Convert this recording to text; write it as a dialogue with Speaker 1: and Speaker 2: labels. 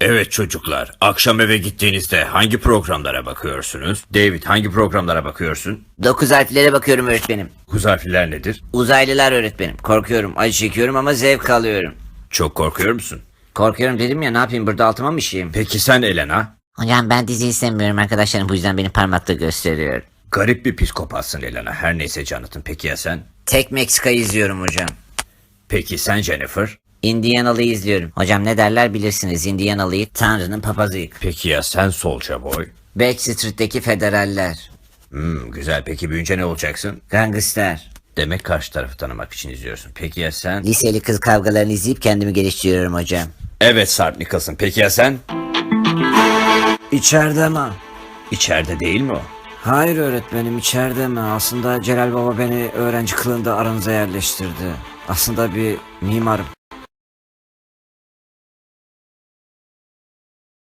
Speaker 1: Evet çocuklar, akşam eve gittiğinizde hangi programlara bakıyorsunuz? David, hangi programlara bakıyorsun?
Speaker 2: 9 harflere bakıyorum öğretmenim.
Speaker 1: Kuzarfiler nedir?
Speaker 2: Uzaylılar öğretmenim. Korkuyorum, acı çekiyorum ama zevk alıyorum.
Speaker 1: Çok korkuyor musun?
Speaker 2: Korkuyorum dedim ya, ne yapayım, burada altıma mı işeyim?
Speaker 1: Peki sen Elena?
Speaker 2: Hocam ben dizi istemiyorum, arkadaşlarım bu yüzden beni parmakla gösteriyor.
Speaker 1: Garip bir psikopatsın Elena. Her neyse Jonathan. Peki ya sen?
Speaker 2: Tek Meksika'yı izliyorum hocam.
Speaker 1: Peki sen Jennifer?
Speaker 2: Indianalı'yı izliyorum. Hocam ne derler bilirsiniz, Indianalı'yı Tanrı'nın papazıyım.
Speaker 1: Peki ya sen Soulja Boy?
Speaker 2: Backstreet'teki federaller.
Speaker 1: Güzel. Peki büyüyünce ne olacaksın?
Speaker 2: Gangster.
Speaker 1: Demek karşı tarafı tanımak için izliyorsun. Peki ya sen?
Speaker 2: Liseli kız kavgalarını izleyip kendimi geliştiriyorum hocam.
Speaker 1: Evet Sarp Nicholson. Peki ya sen?
Speaker 2: İçeride mi?
Speaker 1: İçeride değil mi o?
Speaker 2: Hayır öğretmenim, içeride mi? Aslında Celal Baba beni öğrenci kılığında aranıza yerleştirdi. Aslında bir mimarım.